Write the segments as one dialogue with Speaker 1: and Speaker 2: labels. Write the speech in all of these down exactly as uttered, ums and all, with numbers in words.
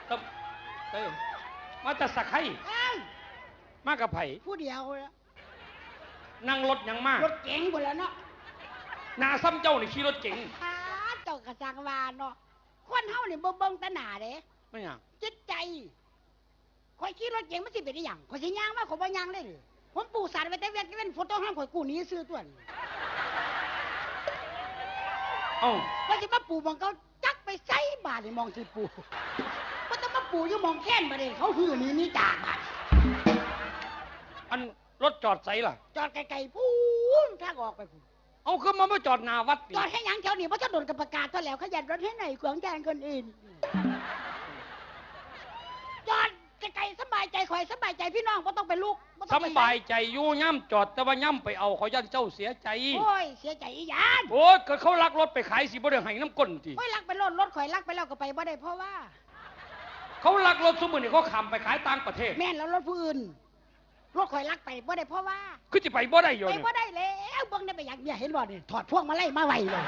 Speaker 1: ตบเอ้ยมาแต่สักไข่มากับไผ่
Speaker 2: ผู้เดียวแล้ว
Speaker 1: นั่งรถยังมาก
Speaker 2: รถเก๋งหมดแล้วเนาะ
Speaker 1: นาซ้ำเจ้านี่ขี่รถเก๋ง
Speaker 2: เจ้ากระสังวานเนาะคนเฮานี่บ่เบิ่งตาหน้าเด้
Speaker 1: ไม่หยัง
Speaker 2: จิตใจข่อยขี่รถเก๋งมันสิเป็นได้หยังข่อยสิย่างมาข่อยบ่ย่างเลยผมปู่สารไว้แต่เวียนเว้นฝนตกห้ามข่อยกู้หนีซื้อตัวนี่
Speaker 1: เอ้า
Speaker 2: ข่อยสิมาปู่มองเขาจักไปไสบาดนี่มองสิปู่บ่ต้องมาปู่อยู่มองแค้นบ่ได้เขาหื้อหนีนี่จากบาด
Speaker 1: อันรถจอดไสล่ะ
Speaker 2: จอดไกลๆพูนทางออกไปพูน
Speaker 1: เอาคือมาไม่จอดหน้าวัด
Speaker 2: จอดให้หยังแถวนี้เพราะถ้าโดนกับประกาศตัวแล้วขยันรถให้ไหนขวางแกนคนอื่นจอดไกลๆสบายใจข่อยสบายใจพี่น้องก็ต้องไปลูก
Speaker 1: สบายใจอยู่ย่ำจอดแต่ว่าย่ำไปเอาเขายันเจ้าเสียใจ
Speaker 2: โอ้ยเสียใจอีหยัง
Speaker 1: โอ้ยก็เขาลักรถไปขายสิบ่ได้ให้น้ำก้นที
Speaker 2: โอ้ยลักไปรถรถข่อยลักไปแล้วก็ไปบ่ได้เพราะว่า
Speaker 1: เขาลักรถสมมุติเขาขับไปขายต่างประเทศ
Speaker 2: แม่นแล้วรถผู้อื่นรถข่อยลักไปบ่ได้เพราะว่า
Speaker 1: คือจะไปบ่ได้อยู่
Speaker 2: ไปบ่ได้แล้วเบิ่งได้ไปอยากเนี่ยเห็นบ่นี่ถอดพวกมาไล่มาไว้เลย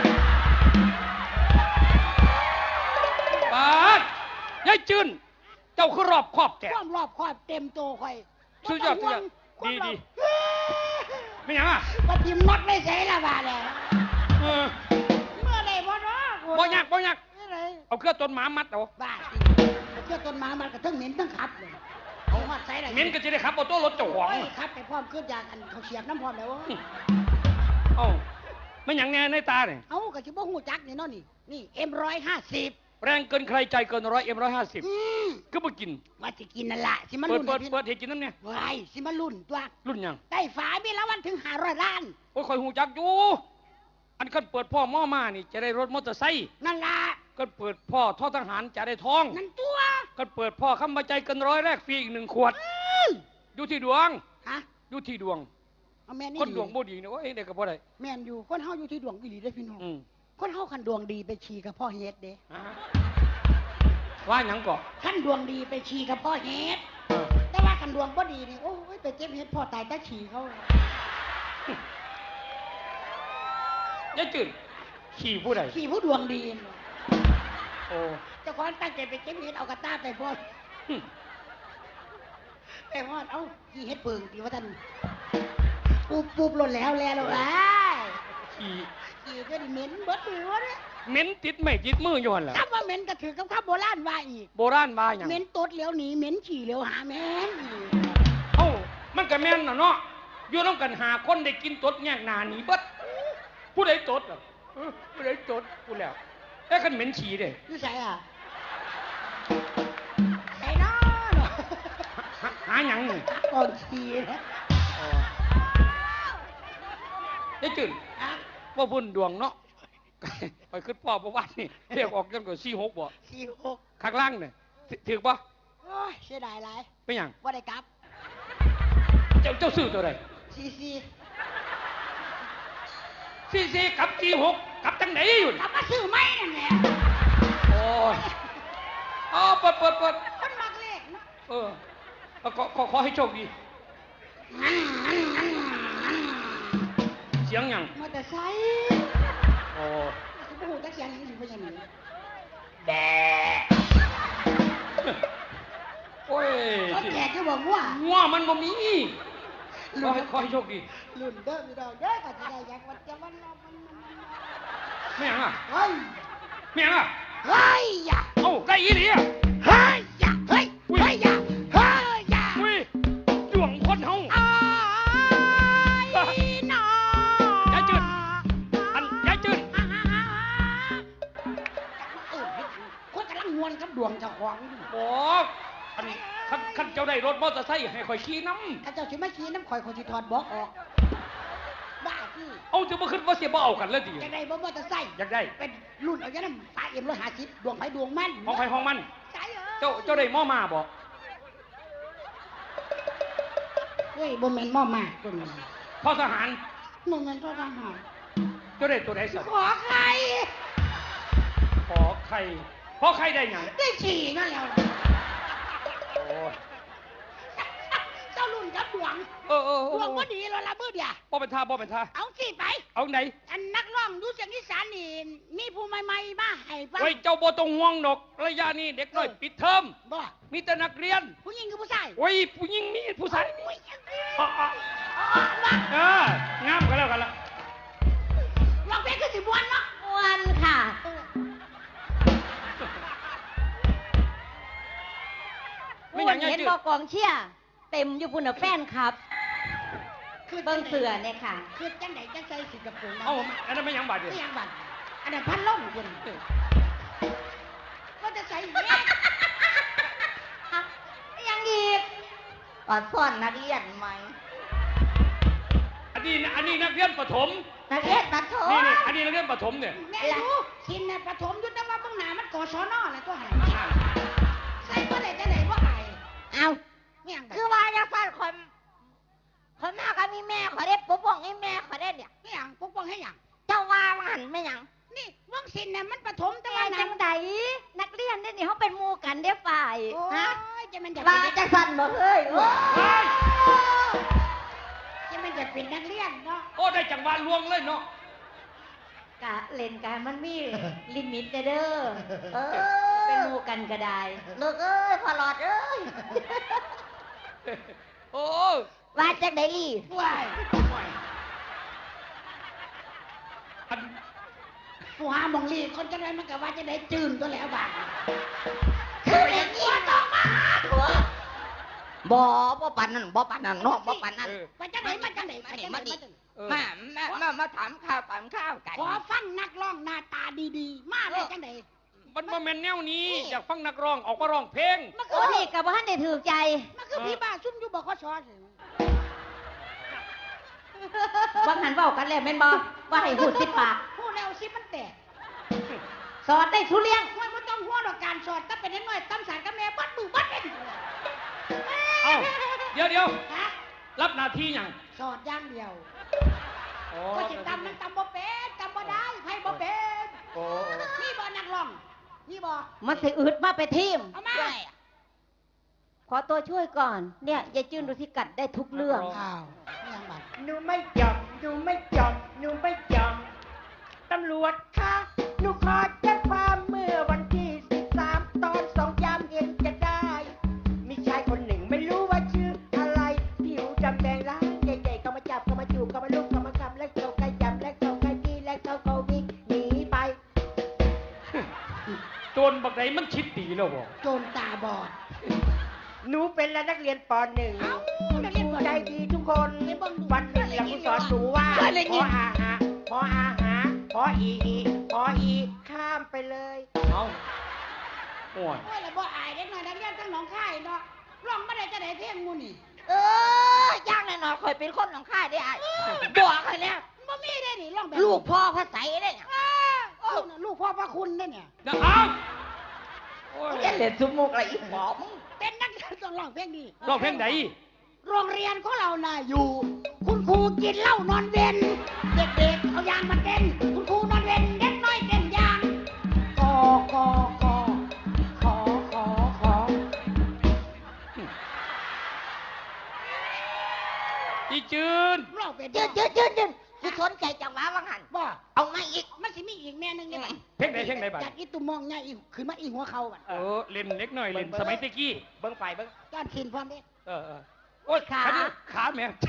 Speaker 1: ปาดยายจืนเจ้าคือรอบครอบแก
Speaker 2: ความรอบครอบเต็มโตข่อย
Speaker 1: สุดยอดสุดยอดดีดีไม่ยังอ่ะ
Speaker 2: ปฏิมน็อตไม่ใช่ละบาดแล้ว
Speaker 1: เออ
Speaker 2: เมื่อไรบ่เนาะ
Speaker 1: บ่ยากบ่ยากเอาเครื่องต้นหมามัดเอา
Speaker 2: บาดเอาเครื่องต้นหมามัดกับทั้งเหม็นทั้งขับเลยเอาฮอดใส่ได้
Speaker 1: เหม็นก็จะได้ขับเอาตัวรถเจ้าของ
Speaker 2: ขับไปพร้อมขึ้นจากอันเขาเสียบน้ำพร้อมแล้ว
Speaker 1: เอ้าไม่ยังแน่ในตาเนี่ย
Speaker 2: เอ้าก็สิบ่ฮู้จักนี่เนาะนี่นี่เอ็มร้อยห้าสิบ
Speaker 1: แรงเกินใครใจเกินร้อยเอ็มร้อยห้าสิบก็มากิน
Speaker 2: ว่าจะกินนั่นแหละสิมา
Speaker 1: รุ่นเปิดเปิดเห็ดกินน้ำเนี่ย
Speaker 2: ไว้สิมารุ่นตัว
Speaker 1: รุ่นยัง
Speaker 2: ได้ฝามีละวันถึงห้าร้อยล้าน
Speaker 1: โอ้ยคอยหูจักอยู่อันกันเปิดพ่อม่อมานี่จะได้รถมอเตอร์ไซค์
Speaker 2: นั่นละ
Speaker 1: กันเปิดพ่อท่อทหารจะได้ทอง
Speaker 2: นั่นตัว
Speaker 1: กันเปิดพ่อคำบรรจัยเกินร้อยแรกฟรีอีกหนึ่งขวดอยู่ที่ดวง
Speaker 2: ฮะ
Speaker 1: อยู่ที่ดวงคนดวงบ่ดีนะว่าเอ้เด็กกับบ่ได้
Speaker 2: แม่นอยู่คนเฮาอยู่ที่ดวงอีหลีได้พี่น้องคนเฮาคันดวงดีไปฉี่กับพ่อเฮ็ดเด้
Speaker 1: ว่าหยังก่อ
Speaker 2: ขั้นดวงดีไปฉี่กับพ่อเฮ็ดแต่ว่าขั้นดวงบ่ดีนี่โอ้ยไปเจ็บเฮ็ดพ่อตายแต่ฉี่เขา
Speaker 1: ยายจืดขี่ผู้ใด
Speaker 2: ขี่ผู้ดวงดี
Speaker 1: โอ้
Speaker 2: เจ้าของตั้งใจไปเจ็บเฮ็ดเอากระต้าไปพ่อไปพ่อเอ้าขี่เฮ็ดเปิงดีว่าท่านปูบปูบหล่นแล้วแล้วแล้ว
Speaker 1: ขี่
Speaker 2: ขี่ก็ดิเหม็นเบิดหัวเนี่ย
Speaker 1: เหม็นติดไม่ติดมืออยู่หั่นแหละ
Speaker 2: คำว่าเหม็นก็ถือกับคำโบราณว่าอีก
Speaker 1: โบราณว่าหยัง
Speaker 2: เหม็นตดเหลียวหนีเหม็นฉี่เหลียวหาแม่น
Speaker 1: เอ้ามันก็แม่นน่ะเนาะอยู่น้ำกันหาคนได้กินตดแยกหน้าหนีเบิดผู้ใดตดอ่ะผู้ใดตดกูแล้วแต่คันเหม็นฉี่เด้
Speaker 2: อยู่ไสอ่ะไสเนาะ
Speaker 1: หาหยังนี่
Speaker 2: ก่อนฉี่นะ
Speaker 1: อ๋อยายจืดว่าบุญดวงเนาะไปขึ้นพ่อประวัตินี่เรียกออกกันก่อนสี่หกบ่
Speaker 2: สี่หก
Speaker 1: ข้างล่างเนี่ยถือปะ
Speaker 2: โอ้ยเสียดายไร
Speaker 1: เป็นยัง
Speaker 2: ว่าได้กลับ
Speaker 1: เจ้าเจ้าซื้อตัวไหน
Speaker 2: สี่สี่
Speaker 1: สี่สี่กับสี่หกกับจังไหนอยู่
Speaker 2: กลับมาซื้อไม่นั่นแหละ
Speaker 1: โอ้ยอ๋อเปิดเปิดเปิด
Speaker 2: คนมักเลขเนาะ
Speaker 1: เออขอขอขอให้โชคดีเสียงยัง
Speaker 2: มอเตอร์ไซค์
Speaker 1: โอ้
Speaker 2: โอ้โหจะเสียงยังอยู่เป็นยังไง
Speaker 1: แบะโอ้ย
Speaker 2: เขาแก่ก็บอกว่า
Speaker 1: ว่ามันบ่มีขอให้ขอให้โชคดี
Speaker 2: ลุ่นเด้อพี่ดอกเด้อก็จะได้อยากวัดจะวันรอมัน
Speaker 1: ไม่ยังอ่ะ
Speaker 2: เฮ้ย
Speaker 1: ไม่ยังอ่ะ
Speaker 2: เฮ้ยอย่า
Speaker 1: เอ้าได้อีหลีอ่ะ
Speaker 2: เฮ้ยอย่าเฮ้ยเฮ้ยอย่าเฮ้ยอย่า
Speaker 1: อุ้ยดวงคนเฮา
Speaker 2: อ้ายน้อย
Speaker 1: ายจืดอันยายจืด
Speaker 2: คนกำลังงวนกับดวงเจ้าของ
Speaker 1: บอกอันคันคันเจ้าได้รถมอเตอร์ไซค์ให้ข่อยขี่น้ำ
Speaker 2: ข้าเจ้าสิมาขี่น้ำข่อยข่อยสิถอดบอกออกบ้าที่
Speaker 1: เอาจะมาขึ้นว่าเสียบ่เอากันเลยดิ
Speaker 2: อยากได้บ่มอเตอร์ไซค์
Speaker 1: อยากได้
Speaker 2: เป็นรุ่นเอาอย่างนั้นฝาเอ็มร้อยห้าสิบดวงไฟดวงมัน
Speaker 1: ห้องไฟห้องมัน
Speaker 2: ใช่เหรอ
Speaker 1: เจ้าเจ้าได้หม้อมาบ่
Speaker 2: เฮ้ยบ่แม่นหม้อมาตัวนี้
Speaker 1: พ่อทหาร
Speaker 2: บ่แม่นพ่อทหาร
Speaker 1: เจ้าได้ตัวไหนสัก
Speaker 2: ขอใคร
Speaker 1: ขอใครขอใครได้ยัง
Speaker 2: ได้ฉี่นั่นแล้ว
Speaker 1: โอ้
Speaker 2: เจ้ารุ่นกับดวง
Speaker 1: เออเออ
Speaker 2: ดวงบ่ดีแล้วละมือเดียว
Speaker 1: บ่เป็นท่าบ่เป็นท่า
Speaker 2: เอาสิไป
Speaker 1: เอาไหน
Speaker 2: อันนักร้องดูเสียงอีสานนี่มีผู้ใหม่ๆมาให้ฟัง
Speaker 1: โอ้ยเจ้าบ่ต้องห่วงดอกระยะนี้เด็กน้อยปิดเทอม
Speaker 2: บ่
Speaker 1: มีแต่นักเรียน
Speaker 2: ผู้หญิงกับผู้ชาย
Speaker 1: โอ้ยผู้หญิงมีผู้ชายมี
Speaker 2: โอ้ย
Speaker 1: อ๋ออ๋อ
Speaker 2: อ๋อว่า
Speaker 1: เอองามกันแล้วกันละ
Speaker 2: ร้องเพลงคือสิบวนเนาะ
Speaker 3: วันค่ะ
Speaker 2: เออ
Speaker 1: ไม่อย่าง
Speaker 3: เห็
Speaker 1: เงี้
Speaker 3: น
Speaker 1: ย
Speaker 3: บอกกองเชียร์เต็มอยู่พุ่นน่ะแฟนครับ
Speaker 2: คือ
Speaker 3: เบิ้งเสือเนี่ยค่ะ
Speaker 2: คือจังไดจังใส่สิกระโปรง
Speaker 1: เอ้าอันนั้นไม่ยังบาดเดียว
Speaker 2: ไม่ยังบัดอันนั้นพันล่มคุณก็จะใส่แม่
Speaker 3: ยังอีกก่อนซ่อนนักเรียนไหม
Speaker 1: อันนี้อันนี้นักเรียนประถม
Speaker 3: นักเรียนประถม
Speaker 1: นี่นี่อันนี้นักเรียนประถมเนี่ย
Speaker 2: แม่รู้ชินน่ะปฐมยุทธว่าเบื้องหน้ามันก่อสอนอแหละตัวหันใส่บ่ได้จังไดบ่อาย
Speaker 3: เอา
Speaker 2: ไม่ยังบัด
Speaker 3: คือว่าจะฟันคนคนมากก็มีแม่ขอได้ปกป้องให้แม่ขอได้เนี่ย
Speaker 2: ไม่ยังปกป้องให้ยัง
Speaker 3: เจ้าว่ามันหันไม่หยัง
Speaker 2: นี่เบื้องชินน่ะมันปฐมแต่
Speaker 3: แต่
Speaker 2: ว่า
Speaker 3: ว่า
Speaker 2: นั้
Speaker 3: จั
Speaker 2: น
Speaker 3: งใดนักเรียนเนี่ยนี่เขาเป็นหมู่กันได้อฝ่าย
Speaker 2: โอ้
Speaker 3: ฮะ
Speaker 2: ยจะมันจะ
Speaker 3: ว่า
Speaker 2: เป็น
Speaker 3: จะสั่นบ่เฮ้ยโอ้
Speaker 1: เฮ้ย
Speaker 2: จะมันจะเป็นนักเรียนเนาะ
Speaker 1: โอ้ได้จังหวะลวงเลยเนาะ
Speaker 3: กะเล่นกันมันมีลิมิตเด้อเออเป็นหมู่กันก็ได้ลูกเอ้ยพอหลอดเอ้ย
Speaker 1: โอ้
Speaker 3: ว่าจังไดลี่
Speaker 2: ว้าย
Speaker 1: อัน
Speaker 2: ผู้หาหมองลีคนจะได้มันก็ว่าจะได้จืนตัวแล้วบาด
Speaker 3: คืออย่างนี้ต้องมาหัวบ่บ่ปานนั้นบ่ปานนั้นเนาะบ่ปานนั้น
Speaker 1: เออ
Speaker 2: ว่าจังไหนมาจังไหนมาจังไหนมาจังไหน
Speaker 1: เออ
Speaker 3: มามามามาถามข้าวถามข้าวกัน
Speaker 2: ขอฟังนักร้องหน้าตาดีๆ มาได้จังไหน
Speaker 1: มันมาแมนแนวนี้อยากฟังนักร้องออกมาร้องเพลง
Speaker 2: มัน
Speaker 3: โอ้
Speaker 2: คือ
Speaker 3: นี่กับว่าท่านได้ถือใจ
Speaker 2: มันคือพี่บ้าซุ่มอยู่บอกเขาชอสิ
Speaker 3: บางหันเว้ากันแล้วแม่นบ่ว่าให้พูดสิปาก
Speaker 2: พูดแล้วสิมันแตก
Speaker 3: สอนได้ทุเรียง
Speaker 2: ห้วยมันต้องหัวดอกการสอดถ้าเป็นน้อยๆตั้มสารกับแม่บัดมือบัดเป็น
Speaker 1: เอ้าเดี๋ยวเดี๋ยว
Speaker 2: ฮะ
Speaker 1: รับหน้าที่อย่าง
Speaker 2: สอดอย่างเดียว
Speaker 1: โอ้
Speaker 2: ก็สิตำมันตำบ่เป็นตำบ่ได้ให้บ่เป็น
Speaker 1: โอ้
Speaker 2: นี่บ่นักร้องนี่บ่
Speaker 3: มันสิอึดมาไปทีม
Speaker 2: เอามา
Speaker 3: ขอตัวช่วยก่อน เนี่ยยายจื้นดูที่กัดได้ทุกเรื่อง
Speaker 2: อ้าวนี่ยังบัด
Speaker 4: หนูไม่จบหนูไม่จบหนูไม่จบตำรวจคะหนูขอแจ้งความเมื่อวันที่สิบสามตอนสองยามเย็นจะได้ มีชายคนหนึ่งไม่รู้ว่าชื่ออะไรผิวดำแดงร้ายใหญ่ๆก็มาจับก็มาจูบก็มาลุกก็มาคำและเขาใกล้จับและเขาใกล้ที่และเขาก็วิ่งหนีไป
Speaker 1: โจรบักไหนมันคิดดีแล้วบ่
Speaker 2: โจรตาบอด
Speaker 4: หนูเป็นนักเรียนปหนึ่ง
Speaker 2: เอ้านักเรียนปหนึ่ง
Speaker 4: ใจดีทุกคนวันหนึ่งหลังสอนหนูว่าพออาหาพออาหาพออีอีพออีข้ามไปเลย
Speaker 1: เอาโอ้ย
Speaker 2: โอ้ยแล้วบ่อายเด็กน้อยนักเรียนทั้งหนองคายเนาะร้องบ่ได้จะได้เพลงหมู่นี่
Speaker 3: เออย่างแน่นอนคอยเป็นคนของข้าได้ไอ้บอกให้แล้ว
Speaker 2: บ่มีได้นี่ร้องแบบ
Speaker 3: ลูกพ่อพระใสได้เนี่ย
Speaker 2: อ้าวโอ้น่ะลูกพ่อพระคุณเด้เนี่ย
Speaker 1: เดี๋ยวเอาโอ้ย
Speaker 3: จะเล่นสมุกอะไรอีกหมอมึง
Speaker 2: เป็นนักเรียนต้องร้องเพลงนี้
Speaker 1: ร้องเพลงไหน
Speaker 2: โรงเรียนของเราน่ะอยู่ คุณครูกินเหล้านอนเวนเด็กๆเอายางมาเต้นคุณครูนอนเวนเด็กน้อยเต้นยางกอกอกอขอขอขอ
Speaker 1: อีจืน
Speaker 2: ร้องเป็น
Speaker 3: ยืนยืนยืนยืนกูสนใจจังหวะวังหัน
Speaker 2: บ่
Speaker 3: เอามาอีก
Speaker 2: มันสิมีอีกแม่นึงเนี่ย
Speaker 1: เพลงไหนเพลงไหนบัด
Speaker 2: จากอีตุ่มมองใหญ่อีขึ้นมาอีหัวเขาบัด
Speaker 1: เออเล่นเล็กหน่อยเล่นสมัยตะกี้
Speaker 4: เบิ้งไปเบิ้ง
Speaker 2: ก้อนขินพร้อมเด้
Speaker 1: เออเออโอ้ย
Speaker 3: ขา
Speaker 1: อันนี้ขาแม่ง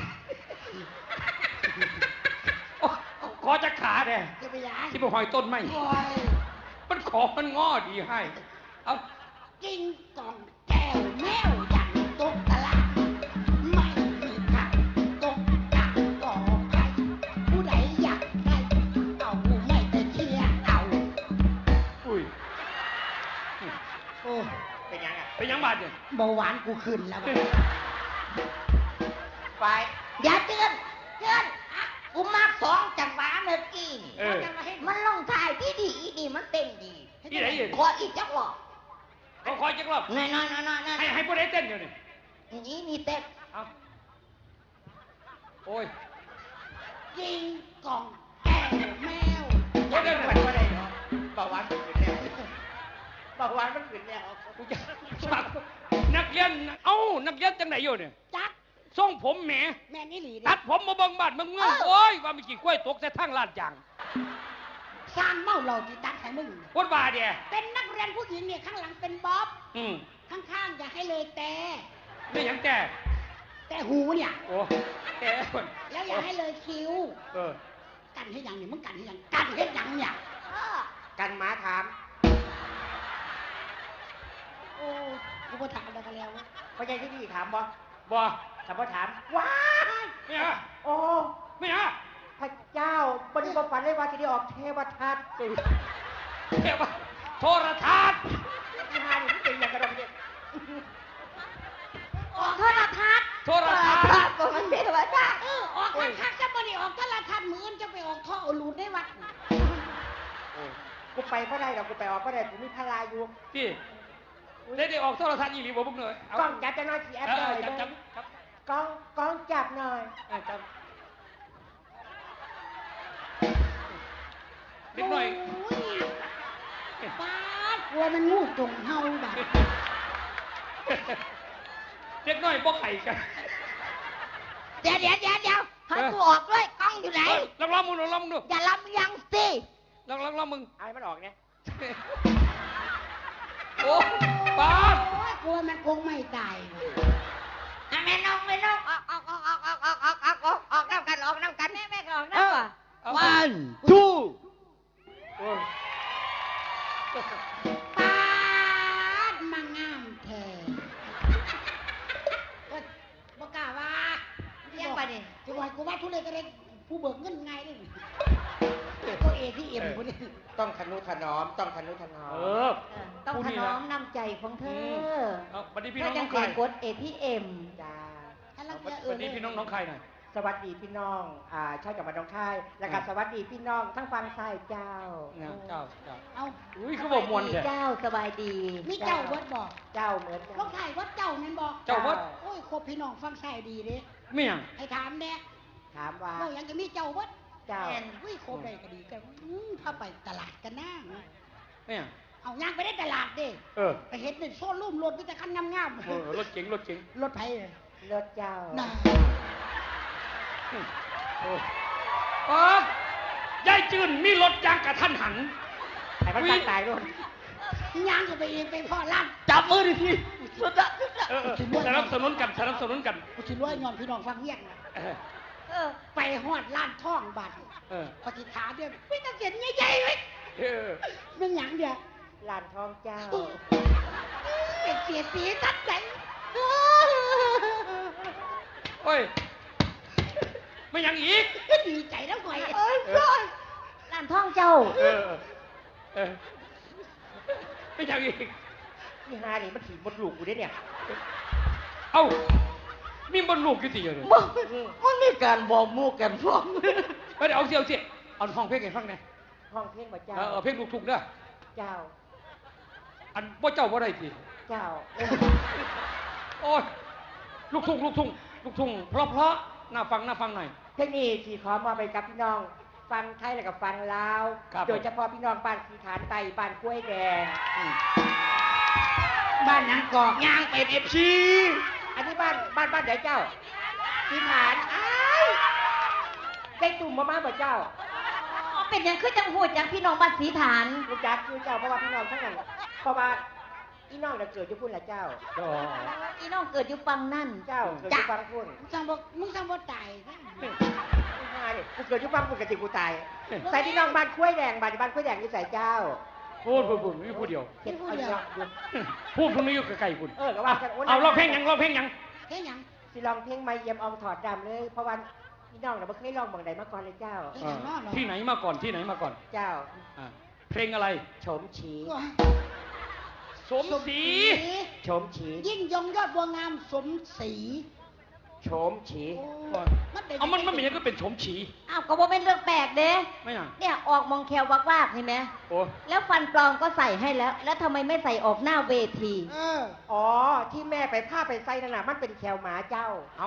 Speaker 1: โอ้ขอจะขาแน่
Speaker 2: จะไปยา
Speaker 1: ที่ไปหอยต้นไม้
Speaker 2: โอ้ย
Speaker 1: มันขอมันง้อดีให้ เอา
Speaker 2: กินกล่องแก้วแมวยันตกตะลาไม่มีใครตกตะก่อใครผู้ใดอยากได้เอาไม่ไปเชียร์เอา
Speaker 1: อุ้ย
Speaker 2: โอ้
Speaker 4: เป็นยังอ่ะ
Speaker 1: เป็นยังบาดเนี่ย
Speaker 2: เบาหวานกูขึ้นแล้วบัด
Speaker 4: ไป
Speaker 3: อย่าเตือนเตือนกูมาสองจังหวะเมื่อกี้นี่
Speaker 1: เออ
Speaker 3: มันลงท้ายที่ดีดีมันเต้นดี
Speaker 1: ที่ไหนอยู่
Speaker 3: ขออีกจักรอบ
Speaker 1: เขาคอยจักรอบ
Speaker 3: น้อยน้อยน้อยน้อยน้อย
Speaker 1: ให้ให้ผู้ใดเต้นอยู่นี่
Speaker 3: นี่นี่เต้น
Speaker 1: เอาโอ้ย
Speaker 2: กินกล่องแก้วแมว
Speaker 1: โอ้ยเดี๋ยว
Speaker 4: มันว่าอะไรเนาะเบาหวานมันขึ้นแล้วเบาหวานมันขึ้นแล้ว
Speaker 1: กูจะฝากนักเรียน เอ้า นักเรียนจังไหนอยู่เนี่ย
Speaker 2: จัก
Speaker 1: ทรงผมแหม
Speaker 2: แม่นี่หลี
Speaker 1: ตั
Speaker 2: เด้
Speaker 1: ดผมมาเบังบาดมึงเงื่อนโอ้ยว่ามีกี่กล้วยตกใส่ทั้งลาดยาง
Speaker 2: สร้างเมาเหล่าที่ตัดให้มึง
Speaker 1: วัดบาเดีย
Speaker 2: เป็นนักเรียนผู้หญิงเนี่ยข้างหลังเป็นบ๊อบ
Speaker 1: อืม
Speaker 2: ข้างๆอย่าให้เลยแต่
Speaker 1: ไม่หยังแต่
Speaker 2: แต่หูเนี่ย
Speaker 1: โอ้แต่คน
Speaker 2: แล้วอย่าให้เลยคิ้ว
Speaker 1: เออ
Speaker 2: กันให้ยังเนี่ยมึงกันให้ยังกันให้ยังเนี่ย
Speaker 4: กันหมาถาม
Speaker 2: โอ้กูบ่ถามแล้วกันแล้ว
Speaker 4: พ่อใหญ่ที่นี่ถามบ่
Speaker 1: บ่
Speaker 4: ถามบ่ถามว้าย
Speaker 1: ไม่ฮะ
Speaker 4: โอ้
Speaker 1: ไม่ฮะ
Speaker 4: พระเจ้าบริบฝันเลยว่าจะได้ออกเทวทัศน์
Speaker 1: เทวะโทรทัศน์
Speaker 4: ที่หานี่เป็นอย่างกระดองเด็ก
Speaker 3: ออกโทรทัศน์
Speaker 1: โทรทัศน์
Speaker 3: ก็มันเทวทัศน์
Speaker 2: เออออกคักคักๆจะบ่ได้ออกโทรทัศน์มื้ออื่นจะไปออกท่อเอารูดได้วัด
Speaker 4: กูไปก็ได้หรอกกูไปออกก็ได้กูมีพลาอยู่
Speaker 1: พี่ได้ได้ออกโทรทัศน์อีหลีบ่บุกเลยเอา
Speaker 4: กล้องจับจะน้อยสีแอป
Speaker 1: เอ
Speaker 4: หน่
Speaker 1: อ
Speaker 4: อย
Speaker 1: จับจับ
Speaker 4: เด้อ
Speaker 1: จับ
Speaker 4: กล้องกล้องจับหน่อย
Speaker 1: เออจับเด็กหน่อย
Speaker 2: โอ้ยปาดกลัวมันงูจงเฮาบัด
Speaker 1: เด็กน้อยบ่ไข่กัน
Speaker 3: เดี๋ยวเดี๋ยวเดี๋ยวเดี๋ยวให้กูออกด้วยกล้องอยู่ไหน
Speaker 1: เอ้ยลองลองมึงลองลองมึงดู
Speaker 3: อย่าลำยังสิ
Speaker 1: ลองลองลองมึง
Speaker 4: เอาให้มันออกเนี่ย
Speaker 1: โอ้ป้าด
Speaker 2: โอ้ยกลัวมันคงไม่ตาย
Speaker 3: อ่ะแม่น้องแม่น้องออกออกออกออกออกออกออกออกออกออกน้ำกันออกน้ำกันแม่แม่ก็ออกน้ำก่อน
Speaker 1: เอา
Speaker 2: one
Speaker 1: โอ้ย
Speaker 2: ปาดมางามแท้โอ๊ยบ่กล้าว่า
Speaker 3: เรียกไปดิ
Speaker 2: จะว่ากูว่าทุเรศก็ได้ผู้เบิกเงินไงนี่ก็เอทีเอ็มคนนี้
Speaker 4: ต้องทนุถนอมต้องทนุถนอ
Speaker 1: เอ
Speaker 4: ม
Speaker 1: อ
Speaker 3: เออต้องถนอมน้ำใจของเธอ
Speaker 1: เอาบัดนี้พี่
Speaker 3: เพื่
Speaker 1: น้
Speaker 3: อ
Speaker 1: อง
Speaker 3: จั
Speaker 1: น้
Speaker 3: ง
Speaker 1: อง
Speaker 3: เสี
Speaker 1: ใคร
Speaker 3: ยกด เอ ที เอ็ม
Speaker 4: จ้า
Speaker 2: ถ้าลังเกียจเอ
Speaker 1: บั
Speaker 2: อ
Speaker 1: ดนี้พี่น้องน้องใครหน่อย
Speaker 4: สวัสดีพี่น้องอ่าชาวจังหวัดหนองคาย แล้วก็สวัสดีพี่น้องทั้งฟังซ้ายเจ้า
Speaker 1: เนี่ยเจ้าเจ้า
Speaker 2: เอา
Speaker 1: อุ้ยคือบอกมวน
Speaker 3: ดี
Speaker 1: แท้
Speaker 3: เจ้าสบายดี
Speaker 2: มีเจ้าวัดบอก
Speaker 4: เจ้าเหมือนกัน
Speaker 2: ต้องถ่ายวัดเจ้าแม่นบอก
Speaker 1: เจ้าวัด
Speaker 2: โอ้ยครบพี่น้องฟังใส่ดีเด้
Speaker 1: ไม่หยัง
Speaker 2: ให้ถามแน่
Speaker 4: ถามว่า
Speaker 2: ว่ายังจะมีเจ้าวัด
Speaker 4: เจ้า
Speaker 3: แม่น
Speaker 2: อุ้ยครบได้ก็ดีกันอืมถ้าไปตลาดกันนะ
Speaker 1: ไม่หยัง
Speaker 2: เอาย่างไปได้ตลาดเด้
Speaker 1: เออ
Speaker 2: ไปเห็นเป็นโซ่ลุ่มรถมีแต่คันงาม
Speaker 1: เออรถเก๋งรถเก๋ง
Speaker 2: ๆรถไผเลย
Speaker 4: รถเจ้า
Speaker 2: น่ะ
Speaker 1: โอ้ป้าดยายจืนมีรถยางกระทันหัน
Speaker 4: ไอ้มันตายตายรถ
Speaker 2: ย่างก็ไปเองไปพ่อร้านจับมือดิพี่สุดอะสุดอะ
Speaker 1: เออเออสนับสนุนกันสนับสนุนกัน
Speaker 2: กูสิรวยย้อนพี่น้องฟังเรียกนะ
Speaker 1: เออ
Speaker 3: เออ
Speaker 2: ไปฮอดร้านท่องบัตร
Speaker 1: เออ
Speaker 2: ปฏิฐานเดียวไม่ต้องเขียนใหญ่ๆไว้
Speaker 1: เออ
Speaker 2: มันหยังเดียว
Speaker 4: ลานทองเจ้า
Speaker 2: เป็นเสียสีทัดใจ
Speaker 1: โอ้ยไม่หยังอีก
Speaker 2: ดีใจแล้วก่อย
Speaker 3: เอ้ยร้านท่องเจ้า
Speaker 1: เออเออไม่หยังอีก
Speaker 4: นี่ฮานี่มันถีบมดลูกกูได้เนี่ย
Speaker 1: เอ้ามีบนลูกกี่ตีอยู่เนี่ย
Speaker 4: มึงมึงมีการบอกมูกันฟ้อง
Speaker 1: เฮ้ยเดี๋ยวเอาเสียวเสียเอาห้องเพลงให้ฟังหน่อย
Speaker 4: ห้องเพลงบ่เจ้า
Speaker 1: เออเออเพลงลูกทุ่งเด้อ
Speaker 4: เจ้า
Speaker 1: อันบ่เจ้าบ่ได้สิ
Speaker 4: เจ้า
Speaker 1: โอ้ยลูกทุ่งลูกทุ่งลูกทุ่งเพราะเพราะน่าฟังน่าฟังหน่อย
Speaker 4: เทคนิคที่ขอมาไปกับพี่น้อง ฟังไทยแล้วก็ฟังลาว
Speaker 1: ครับ
Speaker 4: โดยเฉพาะพี่น้องบ้านสีฐานไตบ้านกล้วยแดง
Speaker 1: อืม
Speaker 2: บ้านหยังกอกย่างเป็นเอฟซี
Speaker 4: อันนี้บ้านบ้านบ้านไหนเจ้าสีฐานอ้ายได้ตุ่มมามาบ่เจ้า
Speaker 3: อ๋อเป็นหยังคือจังหูดจังพี่น้องบ้านสีฐาน
Speaker 4: รู้จักคือเจ้าเพราะว่าพี่น้องทั้งนั้นเพราะว่าพี่น้องน่ะเกิดอยู่พุ่นละเจ้า
Speaker 1: อ๋อ
Speaker 3: พี่น้องเกิดอยู่ฟังนั่น
Speaker 4: เจ้าเกิดอยู่ฟังพุ่น
Speaker 2: มึงสั่งบอกมึงสั่งบอกตายนะ
Speaker 4: นี่ฮานี่กูเกิดอยู่ฟังพุ่นกับจิกูตาย ใส่พี่น้องบ้านกล้วยแดงบ้านบ้านกล้วยแดงนี่ใส่เจ้า
Speaker 1: พูดพูดพูดมีผู้เดียว
Speaker 4: เก็บเอาอยู่อยู่
Speaker 1: พูดพวกนี้อยู่ใกล้ๆคุณ
Speaker 4: เออก็ว่ากันโ
Speaker 1: เอาร้องเพลงหยังร้องเพลงหยัง
Speaker 2: แค่หยัง
Speaker 4: สิลองเพลงไม่เยี่ยมอองถอดดำเลย เพราะว่าพี่น้องน่ะบ่เคยลองเมืองใดมาก่อนเลยเจ้า
Speaker 2: แค่หยังเนาะเนาะ
Speaker 1: ที่ไหนมาก่อนที่ไหนมาก่อน
Speaker 4: เจ้า
Speaker 1: อ่าเพลงอะไร
Speaker 4: โฉมฉี
Speaker 1: สมศรี
Speaker 4: โฉมฉี
Speaker 2: ยิ่งยงยอดบัวงามสมศรี
Speaker 4: โฉมฉี
Speaker 2: โอ้มันเป็น
Speaker 1: เอามันมันไม่ใช่ก็เป็นสมศรี
Speaker 3: อ้าวก็บ่เป็นเรื่องแปลกเด้
Speaker 1: ไม่หยัง
Speaker 3: เนี่ยออกมองแคววักๆเห็นไหม
Speaker 1: โอ้
Speaker 3: แล้วฟันปลอมก็ใส่ให้แล้ว แล้วทำไมไม่ใส่ออกหน้าเวที
Speaker 2: เออ
Speaker 4: อ๋อที่แม่ไปผ้าไปใส่นั่นน่ะมันเป็นแควหมาเจ้า
Speaker 1: เอา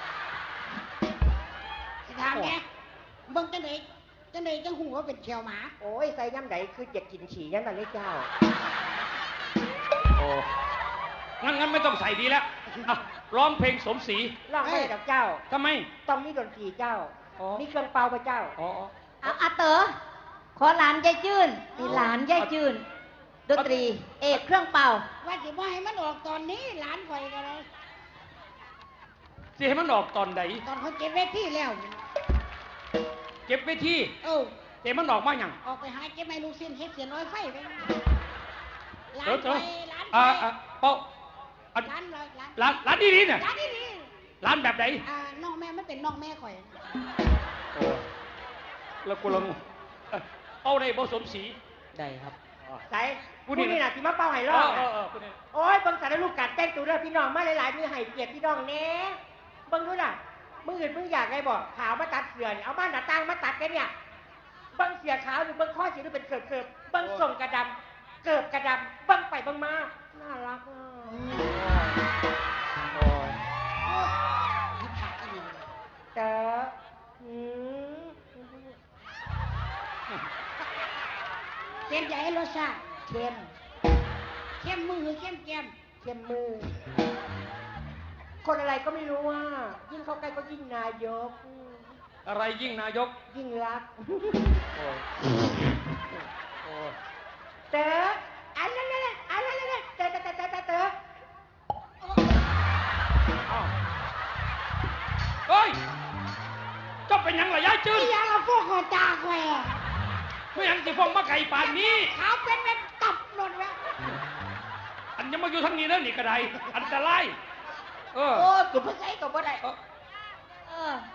Speaker 2: สิถามแกเบิ่งจังไดจังไดจังหูว่าเป็นเขียวหมา
Speaker 4: โอ้ยใส่ย่ำใดคืออยากกินฉี่ย่ำนั้นเลยเจ้า
Speaker 1: โอ้งั้นงั้นไม่ต้องใส่ดีแล้วอ่ะร้องเพลงสมศรี
Speaker 4: ร้องไม่ได้ดอกเจ้า
Speaker 1: ทำไม
Speaker 4: ต้องมีดนตรีเจ้า
Speaker 1: อ๋อ
Speaker 4: มีเครื่องเป่าพระเจ้า
Speaker 1: อ๋ออ๋อ
Speaker 3: เอาอาเต๋อขอหลานยายจื้นนี่หลานยายจื้นดนตรี เอกเครื่องเป่า
Speaker 2: ว่าสิบ่ให้มันออกตอนนี้หลานข่อยก็เลย
Speaker 1: สิให้มันออกตอนไหน
Speaker 2: ตอนเขาเก็บเวทีแล้ว
Speaker 1: เก็บไว้ที่
Speaker 2: เออ
Speaker 1: เก็บมันออกมาอย่าง
Speaker 2: ออกไปหาเก็บไม้ลูกสิ้นเฮ็ดเสียน้อยไฟไปหลาน
Speaker 1: เดี๋ยว
Speaker 2: ไป
Speaker 1: เดี๋ยว
Speaker 2: หลานไป
Speaker 1: อ่าอ่าเป้าอ่ะ
Speaker 2: หลานเลยหลาน
Speaker 1: ร้านร้านดีๆเนี่ย
Speaker 2: หลานนี่นี่
Speaker 1: ร้านแบบไหน
Speaker 2: อ่าน้องแม่มันเป็นน้องแม่ข่อย
Speaker 1: โอ้แล้วกูละงงเอ้ยเป้าได้บ่สมศรี
Speaker 5: ได้ครับ
Speaker 4: ใส่
Speaker 1: ผู้
Speaker 4: ผู้
Speaker 1: นี่
Speaker 4: นี่
Speaker 1: นะ
Speaker 4: น่ะที่มาเป่าให้
Speaker 1: เอ
Speaker 4: ร้อง
Speaker 1: อเอ
Speaker 4: น่ะ
Speaker 1: อเออผู้นี้
Speaker 4: โอ้ยเบิ่งสารลูกกัดแต่งตัวเด้อพี่น้องมาหลายๆมือให้เกียรติพี่น้องแหน่เบิ่งดูน่ะมืออื่นมึงอยากไงบอกขาวมาตัดเสือนี่เอาบ้านหน้าต่างมาตัดกันเนี่ยเบิ่งเสียขาวหรือเบิ่งข้อสีหรือเป็นเกิบเกิบเบิ่งส่งกระดำเกิบกระดำเบิ่งไปเบิ่งมาน่ารักอ่ะ
Speaker 1: โอ้ย
Speaker 2: ยิบขาดอีหลี
Speaker 4: เด้ออืม
Speaker 2: เต็มใจให้รสชาติ
Speaker 4: เข้ม
Speaker 2: เข้มมือหรือเข้มแก้ม
Speaker 4: เข้มมือ คนอะไรก็ไม่รู้ว่า ยิ่งเข้าใกล้ก็ยิ่งนายก
Speaker 1: อะไรยิ่งนายก
Speaker 4: ยิ่งรัก
Speaker 1: โอ้ยโอ้ย
Speaker 4: เต๋ออันนั้นนั่นอันนั้นนั่นเต๋อเต๋อเต๋อเต๋อเต๋อ
Speaker 1: อ้าวเฮ้ยเจ้าเป็นหยังล่ะยายจื้น
Speaker 2: ที่ยังเอาพวกเขาตาข่อยอะ
Speaker 1: ไม่หยังสิฟ้องมาไก่ป่านนี้
Speaker 2: ขาวเป็นเป็นตับหมดแล้ว
Speaker 1: อันยังมาอยู่ทางนี้แล้วนี่ก็ได้อันตรายเออ
Speaker 4: โอ้ยกูเพิ่งใช้ตัวบ่ได้
Speaker 1: เออ
Speaker 3: เออ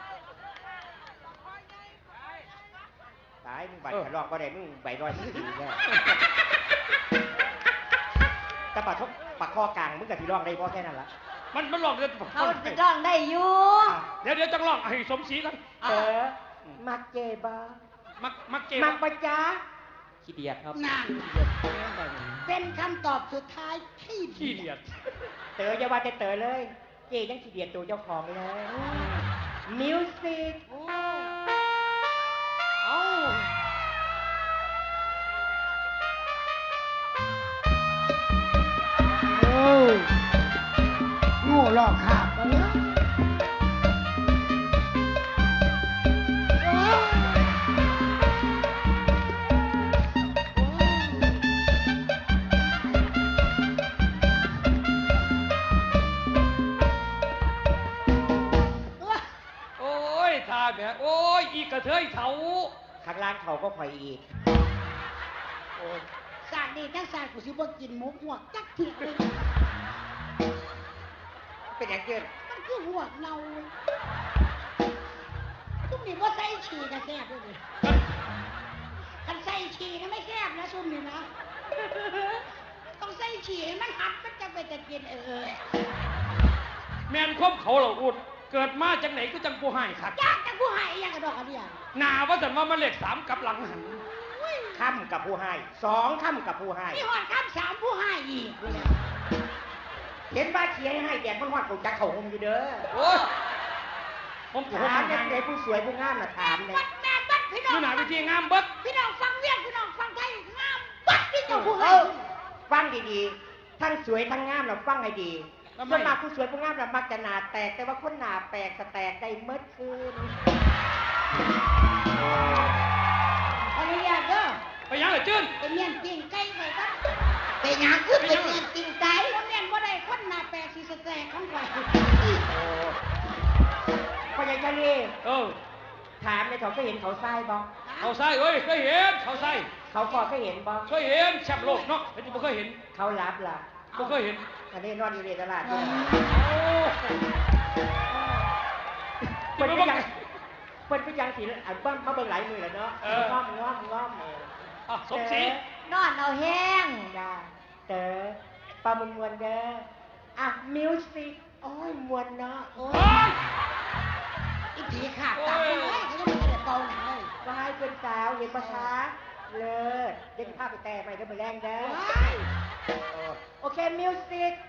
Speaker 4: ตายมึงบัตรกระรอกบ่ได้มึงใบร้อยมึงดีแน่แต่ปากทบปากคอกลางมึงกับที่ร้องได้พอแค่นั้นละ
Speaker 1: มันมันหลอกเดี๋ยว
Speaker 3: เขาจะร้องได้อยู่
Speaker 1: เดี๋ยวเดี๋ยวจังหลอกให้สมศรีกัน
Speaker 4: เต๋อมักเจบ้า
Speaker 1: มักมักเก
Speaker 4: มักปะจ๊ะ
Speaker 5: ขี้เดียดครับ
Speaker 2: นานเป็นคำตอบสุดท้ายที่
Speaker 1: ขี้เดียด
Speaker 4: เต๋ออย่าว่าแต่เต๋อเลย เจยังขี้เดียดตัวเจ้าของเลยมิวสิก
Speaker 2: โอ้
Speaker 1: เอ้า
Speaker 2: โอ้โง่หลอกขาบไปเนอะโอ้โอ้
Speaker 1: โอ้ยทาแบบโอ้ยอีกระเทยเถา
Speaker 4: ข้างล่างเขาก็คอยอีก
Speaker 1: โอ้ย
Speaker 2: สาดนี่ทั้งสาดกูสิบ่กินหมูหัวกจักเถื่อเลย
Speaker 4: เป็นอย่างเกิน
Speaker 2: มันคือหัวกเน่าเลยซุ่มนี่ว่าใส่ฉี่กระแซบด้วยดิคันใส่ฉี่นะไม่แซบนะซุ่มนี่นะ ต้องใส่ฉี่ให้มันหัดมันจะไปจะกินเออ
Speaker 1: แมนคบเขาเหล่าอุดเกิดมาจากไหนก็จังผู้ให้ขัด
Speaker 2: ยากจังผู้ให้อยังกระดอกกระเดีย
Speaker 1: หนาว่าสันว่ามันเลขสามกลับหลังหัน
Speaker 4: ค่ำกับผู้ให้สองค่ำกับผู้ให้
Speaker 2: มีหอดคำสามผู้ให้อีกเลย
Speaker 4: เห็นบ้าเชียร์ให้แดดมันหอดกูจักเขาหงอยู่เด้อ
Speaker 1: โอ้ยผมผม
Speaker 4: ถาม
Speaker 1: หั
Speaker 4: เนี่ย
Speaker 1: น
Speaker 4: ผู้ใดผู้สวยผู้งามน่ะถามเนี่ย
Speaker 2: บัดแม่บัดพี่น้
Speaker 1: นี่
Speaker 2: อง
Speaker 1: หนาวิธีงามเบิด
Speaker 2: พี่น้องฟังเวียนพี่น้องฟังไทยงามบัดที่เจ้าผู้
Speaker 4: เอ
Speaker 2: ให้
Speaker 4: อฟังดีๆ ทั้งสวยทั้งงามเราฟังให้ดีส่วนมากผู้สวยผู้งามเรามักจะหนาแตก แต่ว่าคนหนาแปลกสแตกได้เมื่อคืน
Speaker 2: ขออนุญาตเด้อ
Speaker 1: ไปยังเลยจื้น
Speaker 2: เป็นเมียนปิ้งไก่ไปครับเป็นหยังคือเป็นเมียนปิ้งไก่คนเมียนบ่ได้คนหน้าแปลกสิสแตกของข่อย
Speaker 4: พ่อใหญ่ทะเล
Speaker 1: เออ
Speaker 4: ถามในเขาเคยเห็นเขาทรายบ่
Speaker 1: เขาใส่เอ้ยเคยเห็นเขาใส่
Speaker 4: เขาก็เคยเห็นบ่
Speaker 1: เคยเห็นแชมป์โลกเนาะเป็นที่บ่เคยเห็น
Speaker 4: เขารับล่ะ
Speaker 1: บ่เคยเห็น
Speaker 4: ทะเลนอนอยู่ในตลาดด้วย
Speaker 1: โอ้
Speaker 4: เปิดไปยังเปิดไปยังสีอันเบิ้มมาเบิ่งหลายมือแล้วเนาะง้อมง้อมง้อมเออ
Speaker 1: อ่ะสมศรี
Speaker 3: นอนเอาแห้ง
Speaker 4: จ้าเต๋อปลามวนมวนๆเด้ออ่ะมิวสิกโอ้ยมวนเนาะโอ้ย
Speaker 1: เฮ้ย
Speaker 2: อีผีขาดตาผู้ให้เขาจะไม่ได้เป่าหนังเลย
Speaker 4: วายเพื่อนสาวเห็นปะคะเลิศเดี๋ยวพาไปแต่ไปเดี๋ยวไปแรงเด้อ
Speaker 2: ว้าย
Speaker 4: โอเคมิวสิก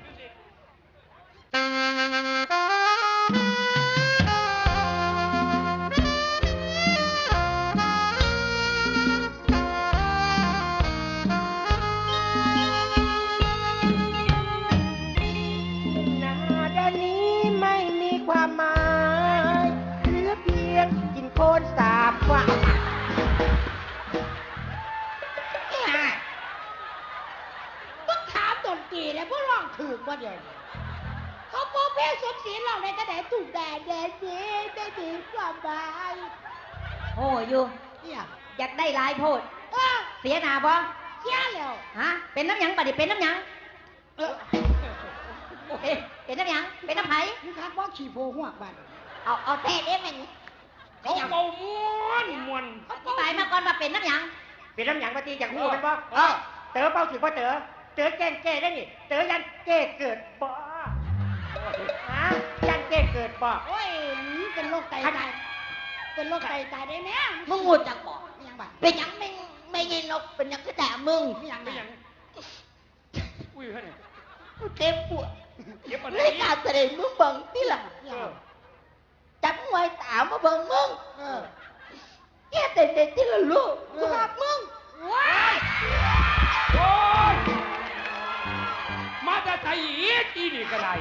Speaker 2: พวกร้องถือว่าเดียวเขาโปเพลงสมศรีร้องในกระแดถูกแดดแดดดีได้ดีสบาย
Speaker 3: โอ้อยู่
Speaker 2: เนี่ย
Speaker 3: อยากได้หลายโพด
Speaker 2: เออ
Speaker 3: เสียหน้าบ่
Speaker 2: เสียแล้ว
Speaker 3: ฮะเป็นน้ำหยังบัดนี้เป็นน้ำหยัง
Speaker 2: เออ
Speaker 3: เอ๊ะเป็นน้ำหยังเป็นน้ำไผ
Speaker 2: นี่ครับว่าขี่โพหัวกบัน
Speaker 3: เอาเอาแท้เด้แม่น
Speaker 1: เขาเบาม้วนม้วน
Speaker 3: อธิบายมาก่อนว่าเป็นน้ำหยัง
Speaker 4: เป็นน้ำหยังปฏิอย่างงูเป็นบ่
Speaker 1: เออ
Speaker 4: เต๋อเป้าถือว่าเต๋อเต๋อแกล้งแก้ได้นี่เต๋อยันแก้เกิดบ่ฮะยันแก้เกิดบ่
Speaker 2: โอ้ยเป็นโรคไตตายเป็นโรคไตตายได้ไหม
Speaker 3: มึงงูจักบ่
Speaker 2: ไม่ยังบัด
Speaker 3: เป็นหยังไม่ไม่ยินนกเป็นหยังก็แต่มึง
Speaker 2: ไม่ยัง
Speaker 1: ไม่
Speaker 2: ไม่
Speaker 1: ยั
Speaker 2: ยัง ง
Speaker 1: อุ้ยฮะเนี่ย
Speaker 3: เจ็บปวด
Speaker 1: เก็บอะไร
Speaker 3: ในการแสดงมึงเบิ่งที่หลัง
Speaker 1: เออ
Speaker 3: จับไว้ตามมาเบิ่งมึง
Speaker 2: เออ
Speaker 3: แค่เด็กๆที่ละลูก
Speaker 2: เอ
Speaker 3: กู
Speaker 2: อ
Speaker 3: รักมึง
Speaker 2: ว้าย
Speaker 1: โอ้ยมาจะใจอีกอีนี่ก็ได้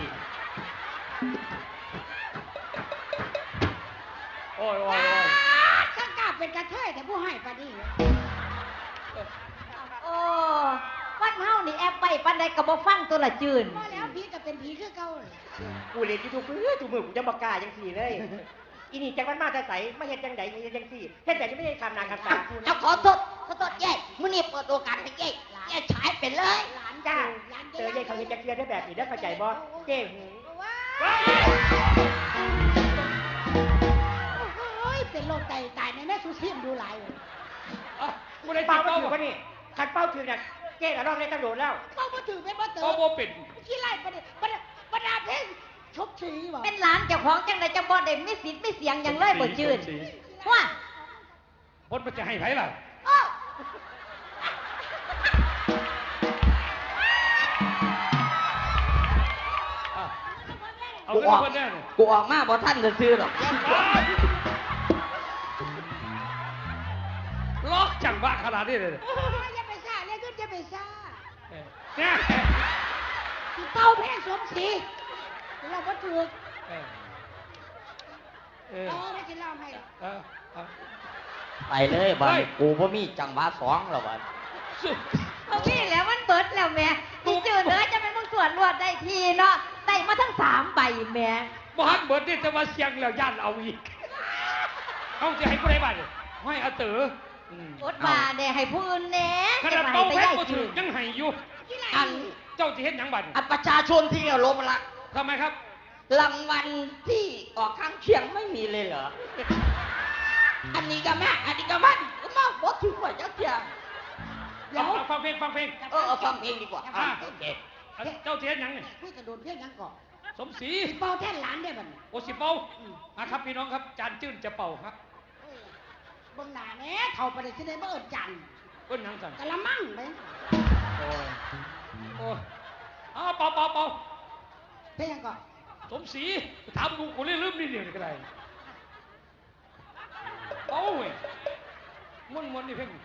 Speaker 1: โอ้ยโอ้ยโอ้ย
Speaker 2: ช่างกล้าเป็นกระเทยแต่ผู้ให้ปานี่
Speaker 3: โอ้ฟันเฮานี่แอบไปปันใดก็บ่ฟังตัวละจืน
Speaker 2: พอแล้วผีก็เป็นผีคือเก่าเลย
Speaker 4: กูเรียนยูทูบเพื่อจูมือกูจะบอกกล้าจังสี่เลยอีนี่จังมันมาจะใสไม่เห็นจังใดเห็นจังสี่เห็นแต่ยังไม่ได้ทำนานทำตากู
Speaker 3: เอา
Speaker 4: นะ
Speaker 3: ขอโทษขอโทษเย้มื้อนี้เปิดโอกาสให้เย้เย้ฉายเป็นเลย
Speaker 2: หลาน
Speaker 4: จ้า
Speaker 2: หลาน
Speaker 4: เต๋อยัยเขาเห็นจังเทียได้แบบนี้ได้เข้าใจบ่เจ้หู
Speaker 2: ว้า
Speaker 1: เฮ้ย
Speaker 2: โอ้ยเป็นโรคไตตายในแม่สุชีมดูหลายเลย
Speaker 1: อ่ะกูได้
Speaker 4: เป้า
Speaker 1: เป้า
Speaker 4: ถือว่านี่ขัดเป้าถือเนี่ยเจ้ละรอบในตำรวจแล้ว
Speaker 2: เป้ามาถือเป็นมาเต๋
Speaker 1: เป้า
Speaker 2: อ
Speaker 1: โบเป็น
Speaker 2: ขี้ไล่ประเดี๋ยวประเดี๋ยวประดาเพลงชกสีบ่
Speaker 3: เป็นหลานเจ้าของจังไดจังบ่ได้มีสิทธิ์มีเสียงหยังเลยบ่จืน
Speaker 1: สี
Speaker 3: ว่า
Speaker 1: พดมันจะให้ไผล่ะ
Speaker 3: อ้าว
Speaker 1: อ่ะเอาขึ้นมาคนแน่เลย
Speaker 5: กูออกมาบ่ท่านจะซื้อหรอก
Speaker 1: ล็อกจังบ้าขนาดนี้เลย
Speaker 2: อย่าไปซ่าเรียกขึ้นอย่าไปซ่า
Speaker 1: เออเนี่ย
Speaker 2: ที่เป้าเพลงสมศรีเราก็ถือ
Speaker 1: เออเออ
Speaker 2: เออไม่กินเหล้าให้
Speaker 1: เออเออ
Speaker 5: ไปเลยบ้า
Speaker 1: เฮ้
Speaker 5: น
Speaker 1: ย
Speaker 5: กูบ่มีจังหวะสองหรอกบ้าน
Speaker 1: สุด
Speaker 3: เอาพี่แล้วมันเบิดแล้วแม่ที่จืนเด้อจะเป็นมึงส่วนรวดได้ทีเนาะได้มาทั้งสามใบแม่
Speaker 1: บ้านเบิดนี่จะมาเสียงแล้วย่านเอาอีกเอาจะให้ผู้ใดบ้างให้อาเต๋ออืม
Speaker 3: อดว่าแน่ให้ผู้อื่นแน่
Speaker 1: ขนาด
Speaker 3: จะ
Speaker 1: เป้า
Speaker 3: ไป
Speaker 1: แพ้
Speaker 3: ได้
Speaker 1: ก็ถื
Speaker 3: จื
Speaker 1: อน ยังให้อยู่
Speaker 5: อัน
Speaker 1: เจ้าจะเห็นหยังบัด
Speaker 5: อันประชาชนที่เคารพรัก
Speaker 1: ทำไมครับ
Speaker 5: รางวัลที่ออกข้างเคียงไม่มีเลยเหรอ อันนี้ก็แม่อันนี้ก็มันก็มาบอกถึงว่าจะเที่ยง
Speaker 2: เดี๋ยว
Speaker 1: เอาฟังเพลงฟังเพลง
Speaker 5: เออเอาฟังเพลงดีกว่า
Speaker 1: อ่ะ
Speaker 5: โอเค
Speaker 1: อันเจ้าเทียนหยังเนี่ย
Speaker 2: พูดกระโดดเพี้ยนยังก่อน
Speaker 1: สมศรี
Speaker 2: ที่เป้าแท่นหลานได้บัดนี้
Speaker 1: โอสิเป่าอ่ะครับพี่น้องครับ จานจื้นจะเป่าครับ
Speaker 2: เอ้ยเบนหนาแหน่เท่าประเดี๋ยวที่ได้เบิดจันทร์
Speaker 1: เพิ่นหยังสั่น
Speaker 2: กะละมังไป
Speaker 1: โอ้ยโอ้ยอ้าวเป่าเป่าเป่า
Speaker 2: เพี้ยนยังก่อน
Speaker 1: สมศรีถามกูกูเลยลืมนิดเดียวนี่ก็ได้เป่าเว้ยม้วนม้วนนี่เพ่ง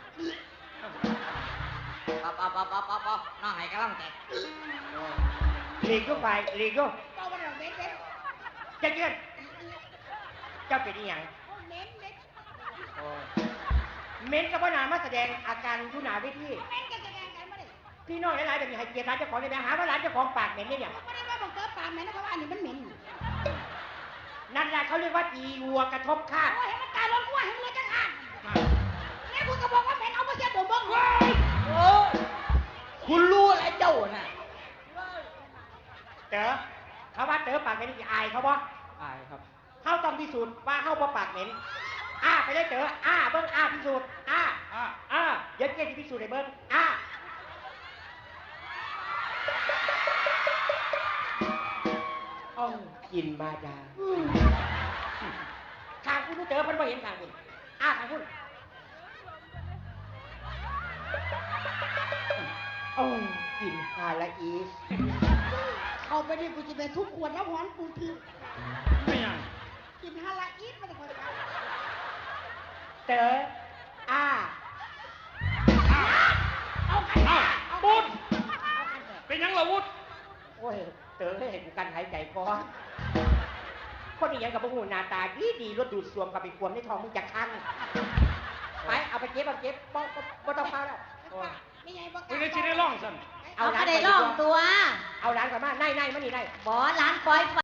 Speaker 5: ปั๊บปั๊บปั๊บปั๊บปั๊บปั๊บน้าให้กำลังใจ
Speaker 4: หลีกก็ไปหลีกก็
Speaker 2: เป้าประเดี๋ยวเบ็ดเบ็ด
Speaker 4: จะเยือนเจ้าเป็นอีหยัง
Speaker 2: โอ้เน้นเน้น
Speaker 1: โอ้ย
Speaker 4: เม้นกับว่านามาแสดงอาการทุนาเวที
Speaker 2: เน้นกันแสดงกันมาดิ
Speaker 4: พี่น้องหลายๆแบบนี้ให้เกียรติร้านเจ้าของเลยนะหาว่าร้านเจ้าของปากเหม็นเนี่ยเนี่ย
Speaker 2: ไม่ได้ว่าบังเกิดปากแม่นะเพราะว่าอันนี้มันเหม็น
Speaker 4: นั่นแหละเขาเรียกว่าอีวัวกระทบคาด
Speaker 2: โอ้ยให้มันตายร้อนกว่าให้มันเลยจังหัน
Speaker 1: มา
Speaker 2: แม่คุณก็บอกว่าเหม็นเอามาเสียผมบ้าง
Speaker 1: เว้ย
Speaker 5: โอ้คุณรู้อะไรเจ้าน่ะ
Speaker 4: เต๋อเขาว่าเต๋อปากเหม็นนี่อายเขาบ่
Speaker 1: อายครับ
Speaker 4: เขาต้องพิสูจน์ว่าเขาบ่ปากเหม็นอ้าไปเลยเต๋ออ้าเบิ้งอ้าพิสูจน์อ้า
Speaker 1: อ่ะ
Speaker 4: อ้าเดี๋ยวเจ๊จะพิสูจน์ให้เบิ้งอ้าอ้องกินมาดาทางคุณเต๋อเพิ่นบ่เห็นทางคุณอ้าทางคุณโอ้กินฮาละอีส
Speaker 2: เอาไปดิกูจะไปทุกขวดแล้วหอนกูที
Speaker 1: ไม่ยัง
Speaker 2: กินฮาลาอีทมาแต่คนกัน
Speaker 4: เต๋ออ้า
Speaker 2: เอากัน
Speaker 1: เอ้า
Speaker 2: เอา
Speaker 1: ปุ๊ด
Speaker 2: เอากันเถอะ
Speaker 1: เป็นหยังละวุฒ
Speaker 4: โอ้ยเต๋อให้เห็นกูกันหายใจพอคนนี้ยังกับพวกหูหน้าตาดีดีรถดูดซ่วมกับไปควมในท้องมึงจะคันไปเอาไปเก็บเอาเก็บบ่บ่บ่ต้องเฝ้าแล้ว
Speaker 2: ไม่ไงบอก
Speaker 1: กูเลยสิได้ร้องสั่น
Speaker 2: ไอ้
Speaker 3: เอา
Speaker 4: เอา
Speaker 3: ก็ได้ร้องตัว
Speaker 4: เอาร้านกลับมาไน่ไน่มานี่ไน่
Speaker 3: บอร้านปล่อยไฟ